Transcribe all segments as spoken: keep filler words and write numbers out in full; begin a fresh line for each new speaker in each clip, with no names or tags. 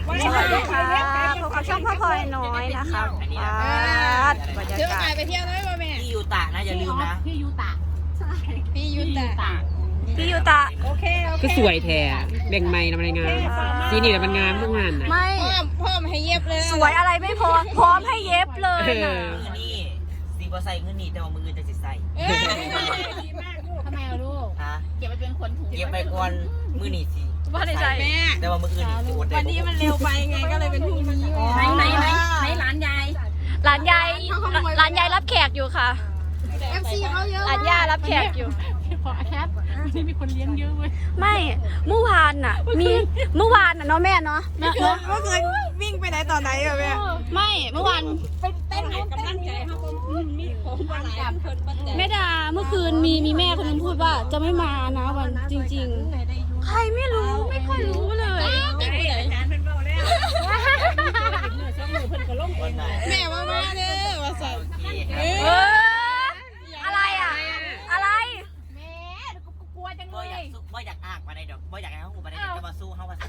สวัสดีค่ะพบกับช่องพ่อพลอยน้อยนะคะบรรยากาศ
ไปเที่ยวได้ป่ะแม่
พี่ยูตะนะอย่าลืมนะ
พี่ยูตะใช่พี่ยูตะ
พี่ยูตะ
โอเคโอเค
ก็สวยแท้แบ่งไม้ทำอะไรงานสีนี่แหละมันงามทุกงานนะ
ไม่
พ่อพ่อมาให้เย็บเลย
สวยอะไรไม่พอพร้อมให้เย็บเลยนะ
มือนี่สีบอใส่เงินนี่แต่ว่ามืออื่นจะสิใส่
ทำไมอะลูก
ฮะ
เก็บไปเป็นคนถูก
เก็บไปก่อนมือนี่สิ
ว่าในใจ
แม่
แต่ว่ามืออื่นนี่จะอดได้
วันนี้มันเร็วไปไงก็เลยเป็นพรุ่งนี้ไหนไหนไหนไหนร้านยาย
ร้านยายร้านยายรับแขกอยู่ค่ะ
เอฟซีเขาเยอะ
ร้านย่ารับแขกอยู่
พอแคทที่มีคนเลี้ยงเยอะเว้ย
ไม่เมื่อวานน่ะมีเมื่อวานน่ะเนาะแม่เนาะ
เมื่อเคยวิ่งไปไหนตอนไหนอะแม่
ไม่เมื่อวาน
เป็นเต้นกำลังใจเขามีผมหลายคนปั้นใจ
แม่ดาเมื่อคืนมีมีแม่คนนึงพูดว่าจะไม่มานะวันจริงๆ ใครไม่รู้ไม่ค่อยรู้เลย
วันไหน
แม่ว่ามาเด้อว่าสั่ง
เอออะไรอ่ะอะไร
แม่กูกลัวจัง
บ่
เล
อยาก
ย
สู้บ่อยากอากมาได้ดอกบ่อยากให้เขาหูมาได้จะมาสู้เขามา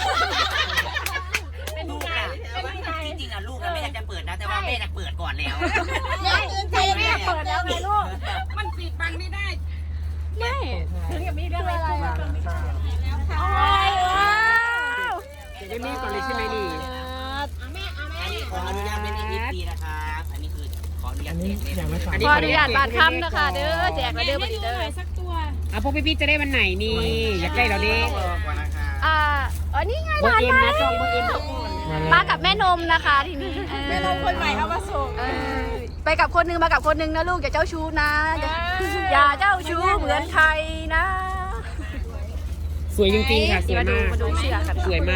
ลูกอะจริงๆอะลูกอะแม่อยากจะเปิดนะแต่ว่าแม่อยากเปิดก่อนแล้ว
แม่ตื่นเต้นแม่เปิดแล้วไงลูก
มันปิดบังไม่ได้
ไม่
ถึงกับมีเรื่องอะไรอ่ะ
ว้าว
จะได้มีก่อนเลยใช่ไหมนี่
อันนี้ขออนุญาตเป็นอีกปีนะครับอันนี้คือขออนุญาตเด็กเลยนะ
ขออนุญาตบาดคำนะคะเด้อแจกแล้วเด้อบัดนี้เด้อ
สักตัว
อ่ะพวกพี่ๆจะได้วันไหนนี่อยากได้เราดิ
ต้องรอก่อนนะคะ
อ่าเออนี่ไง
เบอ
ร้า
ร์
น
เอ็ม
ไม้
นะจองเบอร์เอ็ม
มากับแม่นมนะคะทีนี้
แม่ลงคนใหม่เอามาส่ง
เออไปกับคนนึงมากับคนนึงนะลูกอย่าเจ้าชู้นะอย่าอย่าเจ้าชู้เหมือนใครนะ
สวยจริงๆค่ะสวย
มาดู
มาก
มาดูเชือกกัน
สวยมาก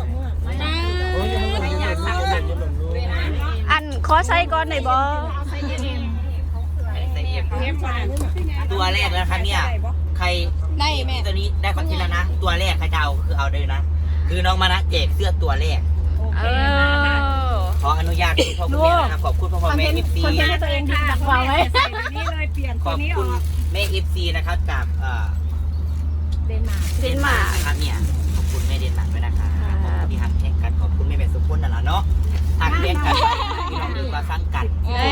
อันขอใส่ก่อนหน่อยบอ
ใส่เอ็มตัวแรกแล้วครับเนี่ยใคร
ได้แม่
ตัวนี้ได้คอนเทนต์แล้วนะตัวแรกใครจะเอาคือเอาเลยนะคือน้องมานะแจกเสื้อตัวแรก
เออ
ขออนุญาตคุณพ่อคุณแม่นะครับขอบคุณพ่อพ่อแม่เอฟซี
คนให้ตัวเองดีดักวางไว้นี่เลยเปลี่ยน
ขอบคุณแม่เอฟซีนะครับจากเอ่อ
เดนมาร์ก
เดนมาร์ก
นะครับเนี่ยขอบคุณแม่เดนมาร์กด้วยนะคะขอบคุณที่หักแข่งกันขอบคุณแม่แม่สุขุนนั่นแหละเนาะหักแข่งกันพี่น้องดีกว่าสร้างกัน
เออ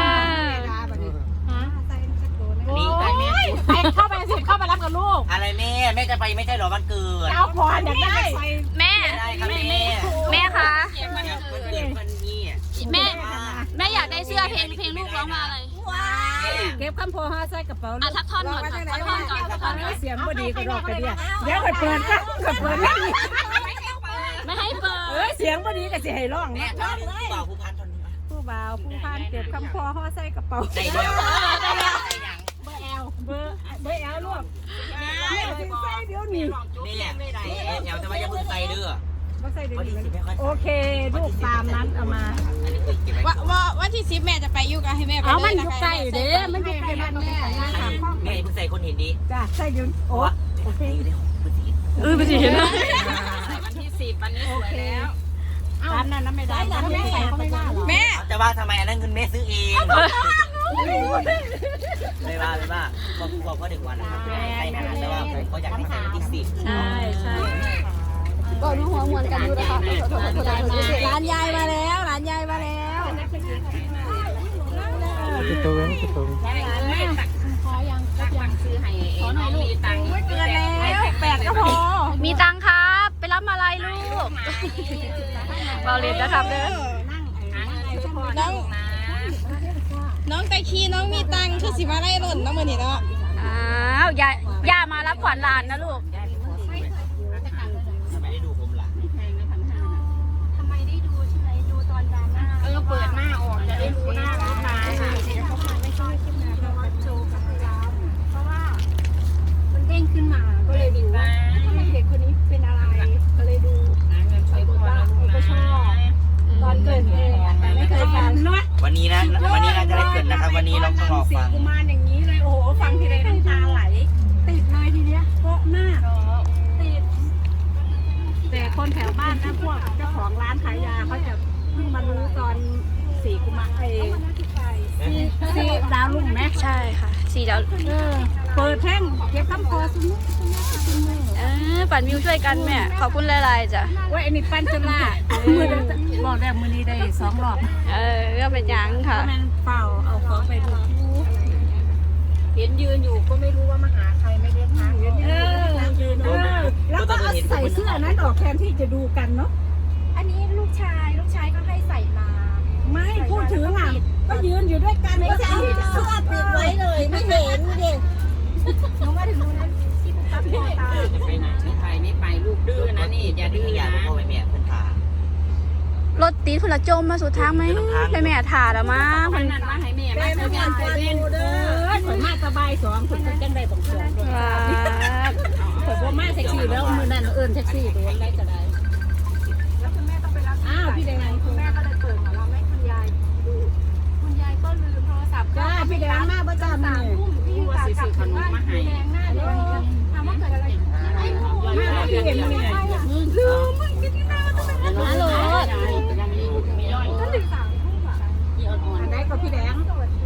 นี่ไปแม่
ไปเข้าไปสิเข้าไปรับกับลูก
อะไรแม่แม่จะไปไม่ใช่หรอวันเกิด
เอาพรอยากได้
แม่
ได้ครับแม่
แม่คะ
วันเกิดวันนี้
แม่แม่อยากได้เสื้อเพลงเพลงลูกร้องมาอะไร
เก็บคำโพห้าใส่กระเป๋า
อ่ะทักท่อนก่อนค่ะทักท่อนก่อนทักท่อนก่อน
เสียงบดีก็รอกกันเดียเดี๋ยวไปเปิดกันก็เปิดแล้ว
ไม่ให้เปิ
เอ้ย
ด
เสียงบดีก็สิให้ร้อง
แม่
นะ
ตอนนี้ผู้บ่าวผู้พันตอนนี้
ผู้บ่าวผู้พันเก็บคำโพห่อใส่กระเป๋า
ได้แล้วได้แล้วได้ยัง
เบอร์แอลเบอร์เบอร์แอลลูกแม่สิใส่เดี๋ยวนี้
แม่เดี๋ยวจะว่าจะพึ่งใส่เด้อ
บ่ใส่เดี๋ยว
วันที่
นี้
สิบไม่ค่อย
โอเคลูกตามนั้นเอามา
อันนี้คือเก็บไว้
ว่าว่าวันที่สิบแม่จะไปอยู่กับให้แม่ไป
เอามัน
ล
อยู่ใกล้เด้มันอยู่ใกล้บ้านแม่นะคะ
แม่เพิ่งใส่คนเห็นดี
จ้ะใส่ยืนโอ้
โอเคอยู่ในห้องพื้นที่
เออไปสิเห็นไหม
วันที่สิบวันนี้สวยแล้ว
ร้านนั้นไม่ได้ร้านแม่ใส่เขาไม่ได้หรอ
แม่
แต่ว่าทำไมอันนั้นเงินแม่ซื้อเองเลยว่าเลยว่าก็บอกว่าเด็กวันนะครับใช่นะแต่ว่าผมก็อยากให้ใส่วันที่สิบ
ใช่ใช่
ก็รู้หัวมวลกันดูนะคะร้านยายมาแล้วร้านยายมาแล้ว
ติดตัวไว้ติดตัว
ขอยังก็ยังซื้อให้ขอหน่อยลูกตังค์เกินแล้วแปดก็พอ
มีตังค์ครับไปรับมาอะไรลูกเบาเรียนนะครับเด้อ
น้องน้องตะคีน้องมีตังค์คือสิมาไล่หล่นน้องมือนี่เนาะ
อ้าวย่าย่ามารับขวัญหลานนะลูก
ไม่ได้ดูผมหรอ
เออเปิดหน้าออกจะได้รู้หน้าลูกค้า
มันเด้งขึ้นมาก็เลยดูว่าทำไมเด็กคนนี้เป็นอะไรก็เลยดูไปบอกว่าก็ชอบตอนเกิดเหตุไม่เคยฟังเนาะ
วันนี้นะวันนี้น่าจะได้เกิดนะครับวันนี้เราต้องรอฟัง
กุมารอย่างนี้เลยโอ้โหฟังทีไรน้ำตาไหลติดเลยทีเนี้ยเพราะมากติดแต่คนแถวบ้านนะพวกเจ้าของร้านขายยาเขาจะเพิ่งมารู้ตอนสี่กุมารเองสี่สี่ดาวลุ่งไหม
ใช่ค่ะสี่ดาว
เออเปิดแท่งเก็บคำคอสมุน
เออปั่นวิวช่วยกันแม่ขอบคุณหลายๆจ้ะ
ว่าอันนี้ปั้นจนละมือบอกได้มือนี้ได้สองรอบ
เออก็เป็นยังค่ะ
แม่นเปล่าเอาของไปดูเห็นยืนอยู่ก็ไม่รู้ว่ามาหาใครไม่ได้ทักเออยืนเออแล้วก็ใส่เสื้อนั้นออกแทนที่จะดูกันเนาะ
อันนี้ลูกชายลูกชายก็ให้ใส่มา
ไม่พูดถึงอ่ะก็ยืนอยู่ด้วยกัน
ไม่
ก็
ใช่
ใส่
เสื้อปิดไว้เลยไม่เห็นเด็กน้องมาถึงนู้นนั้นที่ปุ๊บปั๊บพอตา
ไปไหนไม่ไปไม่ไปลูกดื้อนะนี่อย่าดื้อ
อยาก
นะ
พ่อแม่แม่เพิ่นพาร
ถตีทุละจมมาสุดทางไหมแม่แม่ถ่าแล้วมั้ง
มันนั่นมาให้แม่มา
แม่
ให้
ไม่
แม่
ควร
ไป
ไป
เล่น
ดูเด้อข่อยมาสบายสองคนจังได้บังเกิดด้วย
ว้าว
ข่อยบ่มาแท็กซี่แล้วมือนั้นเอิ้นแท็กซี่โดนได้จะได้อ้าวพี่แดงคุณแม่ก็เลยเปิดของเราให้คุณยายดู
คุณยายก็ลืมโทรศัพท์
จ้าพี่แดงมาบ่จ้ามื้อนี้
ทุ่มพี่กลับจากถึงบ้านแดงหน้าแดงถามว่าเกิดอะไรไอ้หมู
มาพี่เห็นมื้อนี้
ลืมมึงกินที่หน้าต้องเป็น
ฮัลโหล
ก็ถึงสามทุ่มอ่ะ
อันไหนก็พี่แดง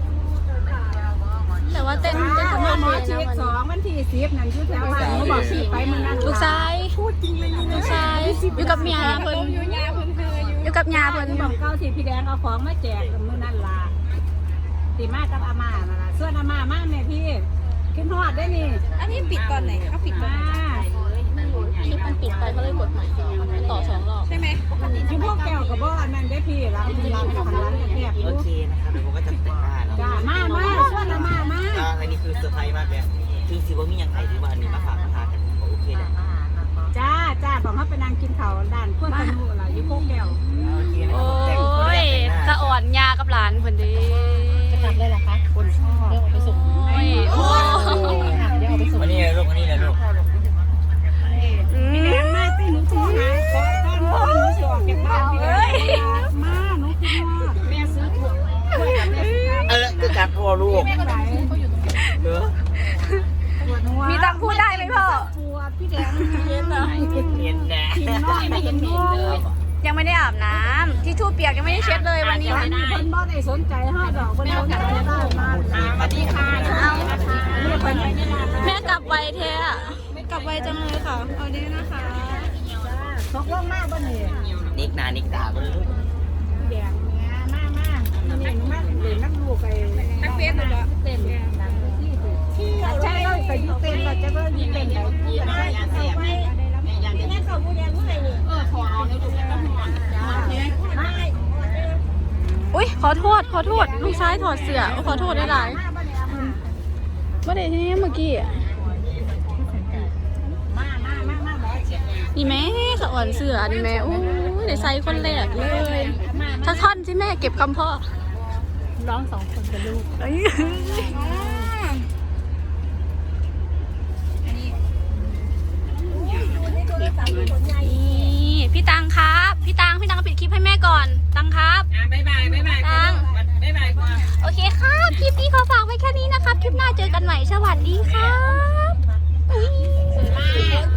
แต่ว่าเต้นเต้นส
ห
มาม
อ
เลย
ฉี
นะ
ด
วัน
สอ
นี้
งวันที่สิบนั่นอยู่แถวบ้านหนูบอกสิไปมื้อนั้น
ลูกชายพูดจริงเลยลูกชายอยู่กับเมียเพิ่น
อยู่ยาเพิ่นเธออยู่
อยู่กับยาเพิ่น
บอกเก้าที่พี่แดงเอาของมาแจกมื้อนั้นล่ะสิมากับอาม่านั่นล่ะส่วนอาม่ามาแม่พี่ขึ้นฮอดได้นี่
อันนี้ปิดตอนไหนเขาปิดตอน
มา
ไหน
คลิปมันปิดไปเขาเลยกดใหม่มันต่อสองรอบ
ใช่ไหมปกติ
อยู่พวกแก้วกับบ่อันนั้นได้พี่ร้านร้านของร้านแคบๆอ
โอยู่ เคนะครับเดี๋ยวผมก็จะแต่งหน้าแล้ว
จ้ามามาส่วนอาม่ามา
ก็อันนี้คือเซอร์ไพรส์มากเลยคือสิว่ามีอย่างไรที่ว่าอันนี้มาฝากมาทานกันโอเคเลย
จ้าจ้าบอกเขาไปนั่งกินข้าวด้านขั้วตะนูล่ะอยู่พวกแก้ว
โอเคนะ
โอ้ยสะอ่อนยากับหลานเพิ่นเด้
จะกลับเลยเหรอคะคนชอบเดี๋ยวไปส่ง
โอ้ยโอ้
เดี๋ยวไปส่ง
วันนี้เลยลูกวันนี้เลยลูก
อื
พี่แด
ม
งมาสิหนูโทรหาขอต้อนรับหนูสิออกจากบ้านพี่แดงมาหนูคิดว่าแม่ซื้อถั่วกล้วยกับแม่ซื้อข้าว
เออคือการพ่อลูก
แม่ก็ได้
เออ
ปวดหัว
มีตังค์พูดได้ไหมพ่อ
ปวดพี่แดงเย็นเหรอ
เห็นแน่
กินน้อยไม่เห็นเลย
ยังไม่ได้อาบน้ำที่ทู่เปียกยังไม่ได้เช็ดเลยวันนี้
มีคนบ่ได้สนใจห้าดอกคนเดียวกันได้มาสวัสดีค่ะ
เอา
เรียกคนนี้
แม่กลับไวแท้อะกลับไวจังเลยค่ะเอาดีนะคะ
ตกลงมากบ่เนี่ย
นิกนานิกตาบ่เลยลูก
พี่แดงเนี่ยมากมากนี่หนูมาเรียนนักลูกไปนักเรียนเลยเหรอเต็มที่ใช่เลยไปยุเต็มเราจะเบิ่งยี่เต็มแล้วยี่ใช่ใช่ไปงั้นเขาผู้ยังเมื่อไหร่นี่เออขอเอาในลูกต้องห่วงจ้าไม่
อุ้ยขอโทษขอโทษลูกชายถอดเสื้อขอโทษได้หลายเมื่อใดที่เมื่อกี้อะ
มามามามาแบบ
นี่แม่สะอ่อนเสื้อนี่แม่อู้ยได้ใส่คนแรกเลยถ้าท่อนที่แม่เก็บคำพ่อ
ร้องสองคนกับลูก
เอ้ยนี่พี่ตังครับ พี่ตังพี่ตังปิดคลิปให้แม่ก่อน ตังครับ
อ่ะบ๊ายบายบ๊ายบาย
ตัง
บ๊ายบายก่อน
โอเคครับ คลิปนี้ขอฝากไว้แค่นี้นะครับ คลิปหน้าเจอกันใหม่ สวัสดีครับอุ๊ย